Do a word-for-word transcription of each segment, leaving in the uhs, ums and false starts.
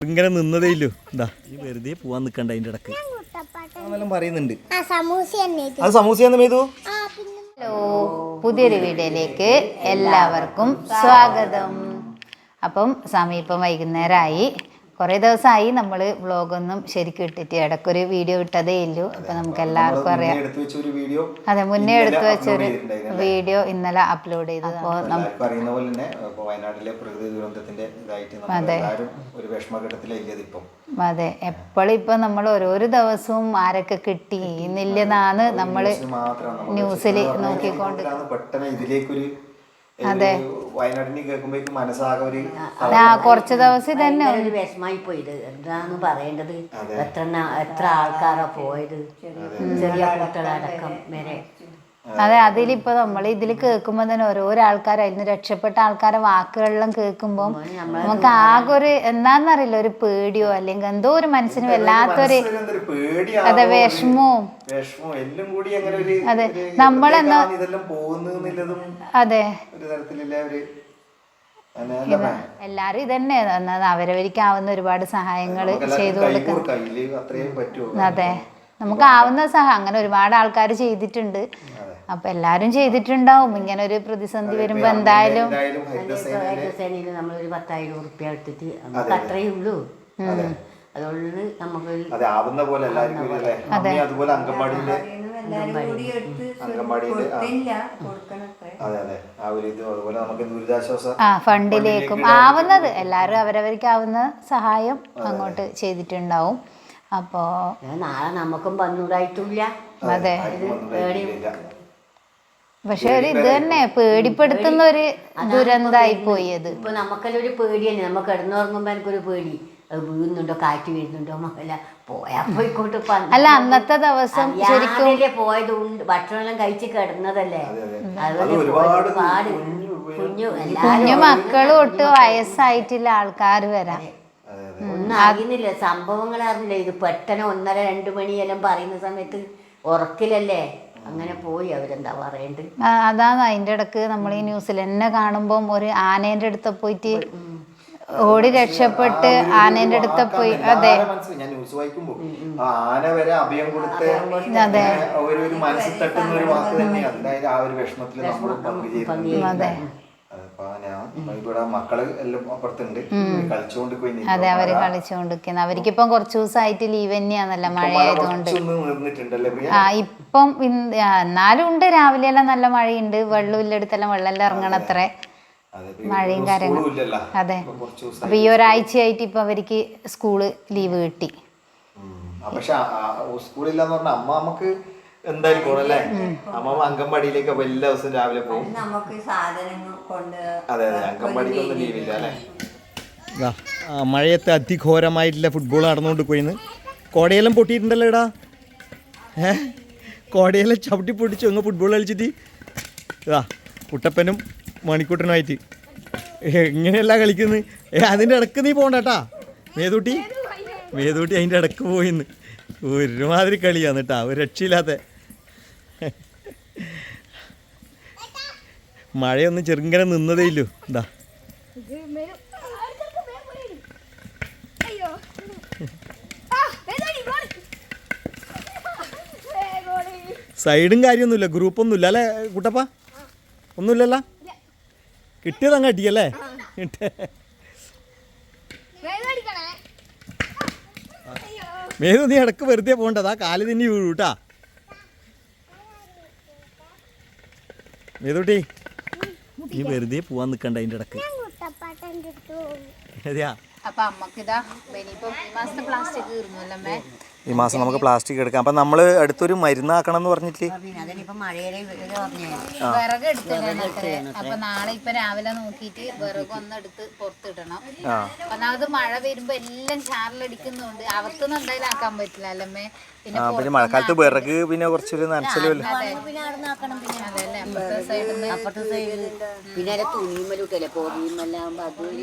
ഇങ്ങനെ നിന്നതേ ഇല്ലു. എന്താ ഈ വെറുതെ പോവാൻ നിക്കണ്ട അതിന്റെ ഇടക്ക് പറയുന്നുണ്ട്. അത് സമൂസയാന്ന് മേതു. ഹലോ, പുതിയൊരു വീഡിയോയിലേക്ക് എല്ലാവർക്കും സ്വാഗതം. അപ്പം സമീപം വൈകുന്നേരമായി. കുറേ ദിവസമായി നമ്മൾ വ്ളോഗൊന്നും ശരിക്കും ഇട്ടിട്ട് ഇടയ്ക്കൊരു വീഡിയോ ഇട്ടതേ ഇല്ലു. അപ്പം നമുക്ക് എല്ലാവർക്കും അറിയാം. അതെ, മുന്നേ എടുത്തു വെച്ചൊരു വീഡിയോ ഇന്നലെ അപ്ലോഡ് ചെയ്തു. അപ്പോൾ അതെ അതെ എപ്പോഴും ഇപ്പം നമ്മൾ ഓരോരോ ദിവസവും ആരൊക്കെ കിട്ടി എന്നില്ലെന്നാണ് നമ്മൾ ന്യൂസിൽ നോക്കിക്കൊണ്ട്. അതെ, ആ കുറച്ച് ദിവസം തന്നെ വിഷമായി പോയത്. എന്താന്ന് പറയേണ്ടത്, എത്ര എത്ര ആൾക്കാരാ പോയത്, ചെറിയ കുട്ടികളടക്കം വരെ. അതെ, അതിലിപ്പോൾ നമ്മൾ ഇതിൽ കേൾക്കുമ്പോൾ തന്നെ ഓരോരോ ആൾക്കാർ അതിന് രക്ഷപ്പെട്ട ആൾക്കാരെ വാക്കുകളെല്ലാം കേൾക്കുമ്പോൾ നമുക്ക് ആകെ ഒരു എന്താണെന്നറിയില്ല, ഒരു പേടിയോ അല്ലെങ്കിൽ എന്തോ ഒരു മനസ്സിന് വല്ലാത്തൊരു അതെ വിഷമവും. അതെ, നമ്മളെന്നാ അതെ എല്ലാരും ഇതന്നെ അവരവർക്കാവുന്ന ഒരുപാട് സഹായങ്ങൾ ചെയ്തു കൊടുക്കും. അതെ, നമുക്ക് ആവുന്ന സഹായം അങ്ങനെ ഒരുപാട് ആൾക്കാർ ചെയ്തിട്ടുണ്ട്. അപ്പൊ എല്ലാരും ചെയ്തിട്ടുണ്ടാവും. ഇങ്ങനെ ഒരു പ്രതിസന്ധി വരുമ്പോ എന്തായാലും നമ്മളൊരു പത്തായിരം ഉറുപ്പ്യ എടുത്തിട്ട് നമുക്ക് അത്രയേ ഉള്ളൂ. അതുകൊണ്ട് നമുക്ക് ആ ഫണ്ടിലേക്കും ആവുന്നത് എല്ലാവരും അവരവർക്കാവുന്ന സഹായം അങ്ങോട്ട് ചെയ്തിട്ടുണ്ടാവും. അപ്പോ നാളെ നമുക്കും വന്നൂടായിട്ടില്ല. അതെ, പക്ഷെ ഒരു ഇത് തന്നെ പേടിപ്പെടുത്തുന്ന ഒരു ദുരന്തമായി പോയത്. ഇപ്പൊ നമുക്കെല്ലാം ഒരു പേടി തന്നെ. നമുക്ക് കിടന്നുറങ്ങുമ്പോ എനിക്കൊരു പേടി, അത് വീഴുന്നുണ്ടോ കാറ്റ് വീഴുന്നുണ്ടോ മക്കള പോയാ പോയിക്കോട്ട്. അല്ല, അന്നത്തെ ദിവസം ശരിക്കും പോയത് ഭക്ഷണമെല്ലാം കഴിച്ച് കിടന്നതല്ലേ. അതുപോലെ ഒരുപാട് കുഞ്ഞു കുഞ്ഞു മക്കളും ഒട്ട് വയസ്സായിട്ടില്ല ആൾക്കാർ വരാം. ഒന്നും അറിയുന്നില്ല, സംഭവങ്ങൾ അറിഞ്ഞില്ല. ഇത് പെട്ടെന്ന് ഒന്നര രണ്ടു മണിയെല്ലാം പറയുന്ന സമയത്ത് ഉറക്കിലല്ലേ അങ്ങനെ പോയി. അവരെന്താ പറയണ്ട്. അതാണ് അതിന്റെ ഇടക്ക് നമ്മൾ ഈ ന്യൂസിൽ തന്നെ കാണുമ്പം ഒരു ആനേന്റെ അടുത്ത് പോയിട്ട് ഓടി രക്ഷപ്പെട്ട് ആനേന്റെ അടുത്ത് പോയി. അതെ ആന വരെ അഭയം കൊടുത്ത് അതെ അതെ അതെ അവര് കളിച്ചുകൊണ്ടിരിക്കുന്ന അവർക്കിപ്പം കുറച്ചു ദിവസമായിട്ട് ലീവ് തന്നെയാണല്ലോ, മഴ ആയതുകൊണ്ട്. ആ ഇപ്പം എന്നാലും ഉണ്ട്, രാവിലെ എല്ലാം നല്ല മഴയുണ്ട്. വെള്ളമില്ലടുത്തെല്ലാം വെള്ളം ഇറങ്ങണത്രേ, മഴയും കാര്യങ്ങളും. അതെ, അപ്പൊ ഈ ഒരാഴ്ചയായിട്ട് ഇപ്പൊ അവർക്ക് സ്കൂള് ലീവ് കിട്ടി. പക്ഷെ സ്കൂളില്ലാന്ന് പറഞ്ഞാൽ അമ്മ നമുക്ക് എന്തായാലും പോണല്ലേ. അമ്മ അംഗൻവാടിയിലേക്ക് എല്ലാ ദിവസവും രാവിലെ പോകും. അതെ അതെ, അംഗൻവാടിക്കൊന്നും ലീവില്ല അല്ലേ. മഴയത്ത് അതിഘോരമായിട്ടുള്ള ഫുട്ബോൾ നടന്നുകൊണ്ട് പോയിന്ന്. കോടയെല്ലാം പൊട്ടിയിട്ടുണ്ടല്ലോ ഇടാ. ഏ കോടയെല്ലാം ചവിട്ടി പൊട്ടിച്ചു അങ്ങ് ഫുട്ബോൾ കളിച്ചിട്ട്. ഇതാ കുട്ടപ്പനും മണിക്കൂട്ടനുമായിട്ട് ഇങ്ങനെയല്ല കളിക്കുന്നത്. ഏ അതിൻ്റെ ഇടക്ക് നീ പോകണ്ടട്ടാ മേതൂട്ടി. മേതൂട്ടി അതിൻ്റെ ഇടക്ക് പോയിന്ന് ഒരുമാതിരി കളിയാന്ന് കേട്ടാ, ഒരു രക്ഷയില്ലാത്ത. മഴയൊന്നും ചെറുങ്ങനെ നിന്നതേ ഇല്ലു. എന്താ സൈഡും കാര്യമൊന്നുമില്ല, ഗ്രൂപ്പൊന്നുമില്ല അല്ലേ കുട്ടപ്പ? ഒന്നുമില്ലല്ലോ, കിട്ടിയതങ്ങ് അടിയല്ലേ. മേതു നീ ഇടക്ക് വെറുതെ പോകണ്ടതാ, കാല് തിന്നി വീഴൂ കേട്ടാ. മേതൂട്ടി നീ വെറുതെ പോവാൻ നിക്കണ്ട അതിന്റെ ഇടക്ക്. അതെയാ, അപ്പൊ അമ്മക്കിതാ ഇനിയിപ്പം ഈ മാസത്തെ പ്ലാസ്റ്റിക് തീർന്നല്ലേ. ഈ മാസം നമുക്ക് പ്ലാസ്റ്റിക് എടുക്കാം. അപ്പം നമ്മൾ അടുത്തൊരു മരുന്നാക്കണം എന്ന് പറഞ്ഞിട്ട് വിറക് എടുത്തിടണത്രേ. അപ്പൊ നാളെ ഇപ്പൊ രാവിലെ നോക്കിയിട്ട് വിറക് ഒന്ന് എടുത്ത് പുറത്തിടണം. ഒന്നാമത് മഴ വരുമ്പോ എല്ലാം ചാറിലടിക്കുന്നുണ്ട്, അകത്തൊന്നും എന്തായാലും ആക്കാൻ പറ്റില്ല അല്ലമ്മേ. പിന്നെ മഴക്കാലത്ത് വിറക് പിന്നെ കുറച്ചൊരു നനച്ചലുമല്ലോ. പിന്നെ തുണിമലൂട്ടല്ലേ പൊറിയുമെല്ലാം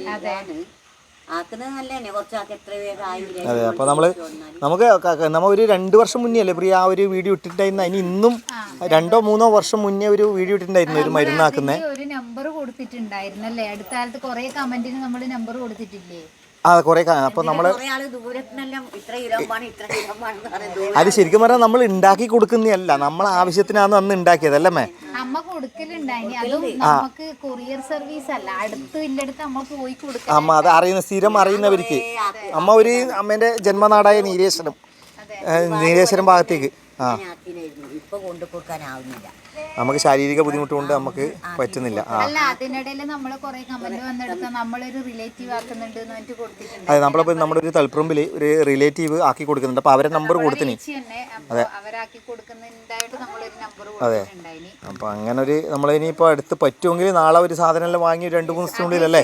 അതെ. അപ്പോൾ നമ്മൾ നമുക്ക് നമ്മൾ ഒരു രണ്ട് വർഷം മുന്നേ അല്ലേ പ്രിയ ആ ഒരു വീഡിയോ ഇട്ടിട്ടുണ്ടായിരുന്നു. അതിന് ഇന്നും രണ്ടോ മൂന്നോ വർഷം മുന്നേ ഒരു വീഡിയോ ഇട്ടിട്ടുണ്ടായിരുന്നു ഒരു മരുന്നാക്കുന്നത്. ഒരു നമ്പർ കൊടുത്തിട്ടുണ്ടായിരുന്നല്ലേ, അടുത്ത കാലത്ത് കുറെ കമന്റിന് നമ്മൾ നമ്പർ കൊടുത്തിട്ടില്ലേ. ആ കുറേ അപ്പോൾ നമ്മൾ കുറേ ആള് ദൂരത്തിനെല്ലാം ഇത്ര കിലോ വേണം ഇത്ര കിലോ വേണമെന്ന് പറയുന്നത്. അത് ശരിക്കും പറഞ്ഞാൽ നമ്മൾ ഉണ്ടാക്കി കൊടുക്കുന്നതല്ല, നമ്മളെ ആവശ്യത്തിനാണ് അന്ന് ഉണ്ടാക്കിയതല്ലേ മേ? അമ്മ കൊടുക്കലുണ്ടായിനി, അതും നമുക്ക് കൊറിയർ സർവീസ് അല്ല, അടുത്ത് ഇല്ലടുത്ത് അമ്മ പോയി കൊടുക്കാം. അമ്മ അത് അറിയുന്ന സ്ഥിരം അറിയുന്നവർക്ക്. അമ്മ ഒരു അമ്മേൻ്റെ ജന്മനാടായ നീലേശ്വരം, നീലേശ്വരം ഭാഗത്തേക്ക് ആ ഇപ്പൊ കൊണ്ടു കൊടുക്കാനാവുന്നില്ല, നമുക്ക് ശാരീരിക ബുദ്ധിമുട്ട് കൊണ്ട് നമുക്ക് പറ്റുന്നില്ല. ആ അല്ല അതിനിടയിൽ നമ്മള് കുറെ കമന്റ് വന്നെടുത്ത നമ്മളൊരു റിലേറ്റീവ് ആക്കുന്നുണ്ട് എന്ന് പറഞ്ഞിട്ട് കൊടുത്തിട്ടുണ്ട്. അതെ, നമ്മളിപ്പോൾ നമ്മുടെ ഒരു തളിപ്പറമ്പിൽ ഒരു റിലേറ്റീവ് ആക്കി കൊടുക്കുന്നുണ്ട്. അപ്പോൾ അവരെ നമ്പർ കൊടുത്തിന്. അതെ, അവരാക്കി കൊടുക്കുന്നുണ്ടായിട്ട് നമ്മളൊരു നമ്പർ കൊടുത്തിട്ടുണ്ടായിനി. അപ്പോൾ അങ്ങനെ ഒരു നമ്മളിനിയിപ്പോൾ അടുത്ത് പറ്റുമെങ്കിൽ നാളെ ഒരു സാധനം എല്ലാം വാങ്ങി രണ്ട് മൂന്ന് ദിവസത്തിനുള്ളിലല്ലേ?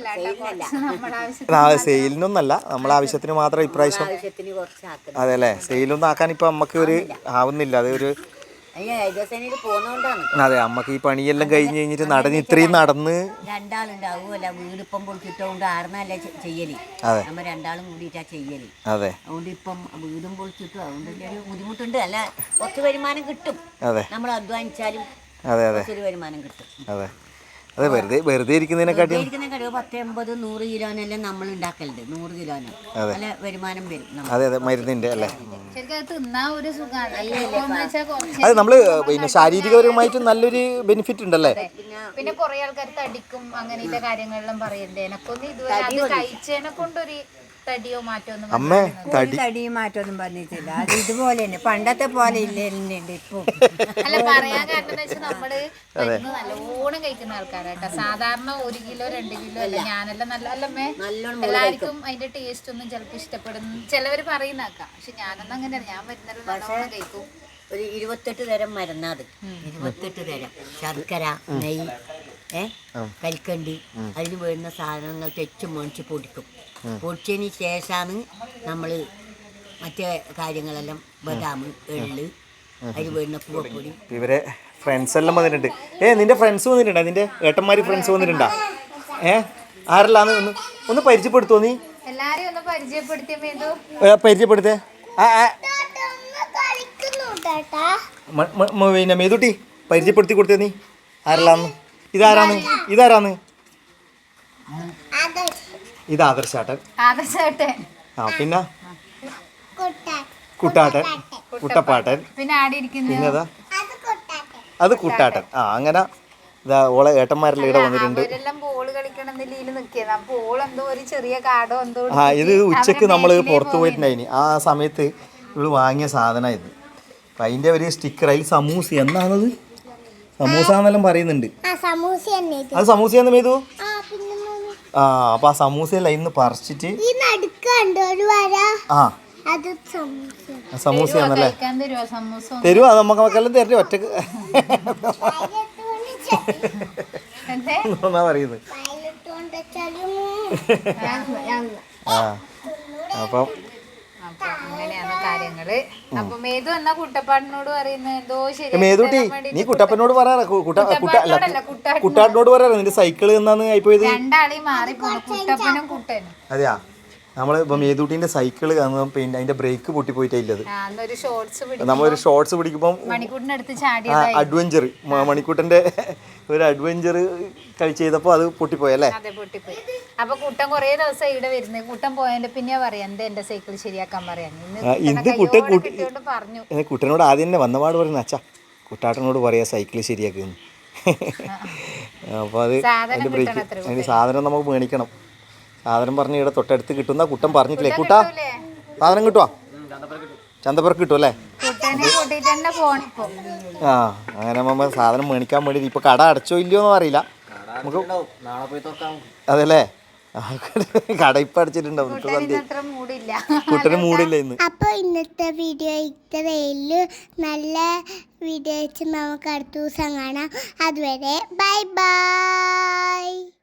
ആ സെയിലിനൊന്നല്ല, നമ്മളെ ആവശ്യത്തിന് മാത്രം ഇപ്രാവശ്യം. അതെ അല്ലേ, സെയിലൊന്നും ആക്കാൻ ഇപ്പം നമുക്ക് ഒരു ആവുന്നില്ല. അത് ഒരു അതെ, അമ്മക്ക് ഈ പണിയെല്ലാം കഴിഞ്ഞ് കഴിഞ്ഞിട്ട് നടന്ന് ഇത്രയും നടന്ന് രണ്ടാളുണ്ടാവുമല്ല, വീടിപ്പം പൊളിച്ചിട്ടോണ്ട് ആർന്നല്ല ചെയ്യല്, നമ്മ രണ്ടാളും കൂടിയിട്ടാ ചെയ്യല്. അതെ, അതുകൊണ്ട് ഇപ്പം വീടും പൊളിച്ചിട്ടും അതുകൊണ്ട് ഒരു ബുദ്ധിമുട്ടുണ്ട്. അല്ല കുറച്ച് വരുമാനം കിട്ടും, അതെ നമ്മൾ അധ്വാനിച്ചാലും അതെ അതെ ഒരു വരുമാനം കിട്ടും. അതെ അതെ, വെറുതെ വെറുതെ ഇരിക്കുന്നതിനെക്കാട്ടി ഇരിക്കുന്നതിനെക്കാട്ടി പത്ത് എൺപത് നൂറ് കിലോനെല്ലാം നമ്മൾ ഉണ്ടാക്കലുണ്ട്. നൂറ് കിലോന് നല്ല വരുമാനം വരും. അതെ അതെ, മരുന്നിന്റെ അല്ലേ? അത് നമ്മള് പിന്നെ ശാരീരികപരമായിട്ട് നല്ലൊരു ബെനിഫിറ്റ് ഉണ്ടല്ലേ? പിന്നെ കുറെ ആൾക്കാർ തടിക്കും അങ്ങനത്തെ കാര്യങ്ങളെല്ലാം പറയണ്ടേ, എനക്കൊന്നും ഇതുവരെ അത് കഴിച്ചതിനെ കൊണ്ടൊരു തടിയോ മാറ്റോ ഒന്നും അമ്മ തടി തടിയും മാറ്റമൊന്നും പറഞ്ഞിട്ടില്ല. അത് ഇതുപോലെ തന്നെ പണ്ടത്തെ പോലെ ഇല്ലുണ്ട് ഇപ്പൊ. അല്ല പറയാൻ കാരണം എന്ന് വെച്ചാൽ നമ്മള് മരുന്ന് നല്ലോണം കഴിക്കുന്ന ആൾക്കാരാട്ടോ. സാധാരണ ഒരു കിലോ രണ്ട് കിലോ അല്ല, ഞാനെല്ലാം നല്ല അല്ലമ്മേ എല്ലാവർക്കും അതിന്റെ ടേസ്റ്റ് ഒന്നും ചിലപ്പോൾ ഇഷ്ടപ്പെടുന്നു ചിലവര് പറയുന്നേക്കാം. പക്ഷെ ഞാനൊന്നും അങ്ങനെ, ഞാൻ മരുന്നെല്ലാം നല്ലോണം കഴിക്കും. ഒരു ഇരുപത്തെട്ട് തരം മരുന്നാത്, ഇരുപത്തെട്ട് തരം ശർക്കര, നെയ്യ്, ഏ കൽക്കണ്ടി, അതിന് വേണ്ടുന്ന സാധനങ്ങൾ തെച്ചും മേടിച്ച് പൊടിക്കും. പൊടിച്ചതിന് ശേഷമാണ് നമ്മൾ മറ്റേ കാര്യങ്ങളെല്ലാം ബദാം, എള്ള്, അതിന് വേണ്ടുന്ന പൂവപ്പൊടി. ഇവരെ ഫ്രണ്ട്സ് എല്ലാം വന്നിട്ടുണ്ട്. ഏ നിന്റെ ഫ്രണ്ട്സ് വന്നിട്ടുണ്ടോ? നിന്റെ ഏട്ടന്മാര് ഫ്രണ്ട്സ് വന്നിട്ടുണ്ടോ? ഏ ആരെല്ലാന്ന് ഒന്ന് ഒന്ന് പരിചയപ്പെടുത്തോ നീ? എല്ലാരെയും ഒന്ന് പരിചയപ്പെടുത്തിയോ? പരിചയപ്പെടുത്തേ. പിന്നെ മേതുട്ടി പരിചയപ്പെടുത്തി കൊടുത്തേ നീ, ആരെല്ലാന്ന്? ഇതാരാന്ന്? ഇതാരാന്ന്? ഇത് ആദർശാട്ടൻ. ആ പിന്നെ കുട്ടാട്ടൻ, കുട്ടപ്പാട്ടൻ, പിന്നെതാ അത് കുട്ടാട്ടൻ. ആ അങ്ങനെ ഇതാ ഓളെ ഏട്ടന്മാരെല്ലാം ഇവിടെ വന്നിട്ടുണ്ട്. ആ ഇത് ഉച്ചക്ക് നമ്മൾ പുറത്ത് പോയിട്ടുണ്ടായിനി, ആ സമയത്ത് ഇവള് വാങ്ങിയ സാധനം ഇത്. അപ്പം അതിൻ്റെ ഒരു സ്റ്റിക്കർ, അതിൽ സമൂസ എന്നാണത്, സമൂസ എന്നെല്ലാം പറയുന്നുണ്ട്. അത് സമൂസയാന്ന് മേതു? ആ അപ്പൊ ആ സമൂസയല്ല ഇന്ന് പറിച്ചിട്ട് ആ സമൂസയാന്നല്ലേ തരുവോ? അത് നമുക്ക് നമുക്കെല്ലാം തരട്ടെ ഒറ്റക്ക് എന്നാ പറയുന്നത്. ആ അപ്പം അങ്ങനെയാണ് കാര്യങ്ങള്. അപ്പൊ മേതു എന്നാ കുട്ടപ്പാടിനോട് പറയുന്നത് എന്തോ ശരി. മേതുട്ടി നീ കുട്ടപ്പനോട് പറയാ, കുട്ടാട്ടിനോട് പറയാ നിന്റെ സൈക്കിള് എന്നാന്ന് ആയിപ്പോയത്. രണ്ടാളെയും മാറിപ്പോന്നു, കുട്ടപ്പനും കുട്ടനും. അതെയാ, നമ്മള് ഇപ്പൊ മേതുട്ടിന്റെ സൈക്കിള് പിന്നെ അതിന്റെ ബ്രേക്ക് പൊട്ടിപ്പോയിട്ടില്ലത്. നമ്മളൊരു ഷോർട്സ് പിടിക്കുമ്പോൾ മണിക്കൂട്ടിനടുത്ത് ചാടി അഡ്വഞ്ചർ, മണിക്കൂട്ടന്റെ ഒരു അഡ്വഞ്ചർ കഴിച്ച് ചെയ്തപ്പോ അത് പൊട്ടിപ്പോയല്ലേ? അതെ പൊട്ടിപ്പോയി. അപ്പൊ കുട്ടൻ കൊറേ ദിവസം ഇവിടെ വരുന്നത്, കുട്ടൻ പോയതിന്റെ പിന്നെ പറയാ എന്താ എന്റെ സൈക്കിൾ ശരിയാക്കാൻ പറയാ. ഇത് കുട്ടൻ പറഞ്ഞു കുട്ടനോട് ആദ്യം തന്നെ വന്നപാട് പറയുന്ന അച്ഛാ കുട്ടാട്ടനോട് പറയാ സൈക്കിള് ശരിയാക്കുന്നു. അപ്പൊ അത് അതിന്റെ ബ്രേക്ക് അതിന്റെ സാധനം നമുക്ക് മേടിക്കണം. സാധനം പറഞ്ഞ് ഇവിടെ തൊട്ടടുത്ത് കിട്ടുന്ന കുട്ടൻ പറഞ്ഞിട്ടില്ലേ? കുട്ടാ സാധനം കിട്ടുവാ? ചന്തപ്പുറക്ക് കിട്ടും അല്ലേ? ആ അങ്ങനെ നമ്മ സാധനം മേടിക്കാൻ വേണ്ടി ഇപ്പൊ കട അടച്ചോ ഇല്ലയോ എന്ന് അറിയില്ല നമുക്ക്. അതല്ലേ, കട ഇപ്പൊ അടച്ചിട്ടുണ്ടാവും. കുട്ടന് മൂടില്ല ഇന്ന്. അപ്പൊ ഇന്നത്തെ വീഡിയോ ഇത്രയുള്ളൂ. നല്ല വീഡിയോ വെച്ച് നമുക്ക് അടുത്ത ദിവസം കാണാം. അതുവരെ ബൈ ബൈ.